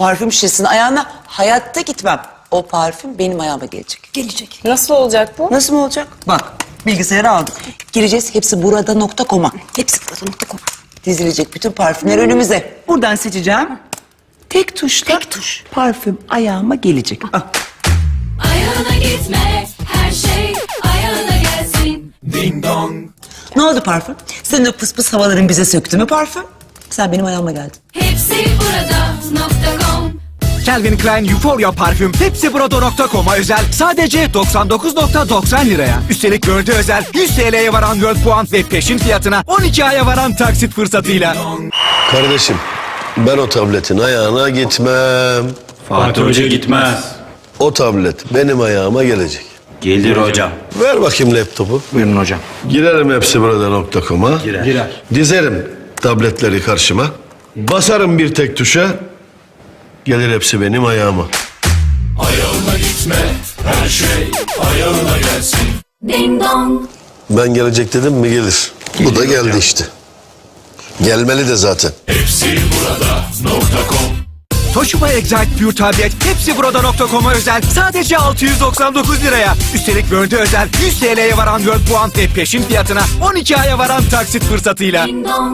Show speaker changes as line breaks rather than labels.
parfüm şişesini ayağına hayatta gitmem. O parfüm benim ayağıma gelecek.
Gelecek.
Nasıl olacak bu?
Nasıl mı olacak? Bak bilgisayarı aldık. Gireceğiz hepsi burada.com'a.
Hepsi burada.com.
Dizilecek bütün parfümler önümüze. Buradan seçeceğim. Tek tuşla
Tek tuş.
parfüm ayağıma gelecek. Ah.
Ayağına gitme, her şey ayağına gelsin. Ding dong.
Ne oldu parfüm? Senin o pıs pıs havaların bize söktü mü parfüm? Sen benim ayağıma geldin.
Hepsi burada.com.
Calvin Klein Euphoria parfüm hepsiburada.com'a özel sadece 99.90 liraya. Üstelik World'e özel 100 TL'ye varan World puan ve peşin fiyatına 12 aya varan taksit fırsatıyla.
Kardeşim ben o tabletin ayağına gitmem.
Fatih Hoca gitmez.
O tablet benim ayağıma gelecek.
Gelir hocam.
Ver bakayım laptopu.
Buyurun hocam.
Girerim hepsiburada.com'a.
Girer.
Dizerim tabletleri karşıma. Basarım bir tek tuşa. Gelir hepsi benim ayağıma.
Ayağına gitme, her şey ayağına gelsin.
Ding dong.
Ben gelecek dedim mi gelir. Bu da geldi işte. Gelmeli de zaten.
Hepsiburada.com.
Toshiba Excite Pure tablet hepsiburada.com'a özel sadece 699 liraya. Üstelik World'e özel 100 TL'ye varan World puan ve peşin fiyatına 12 aya varan taksit fırsatıyla.
Ding dong.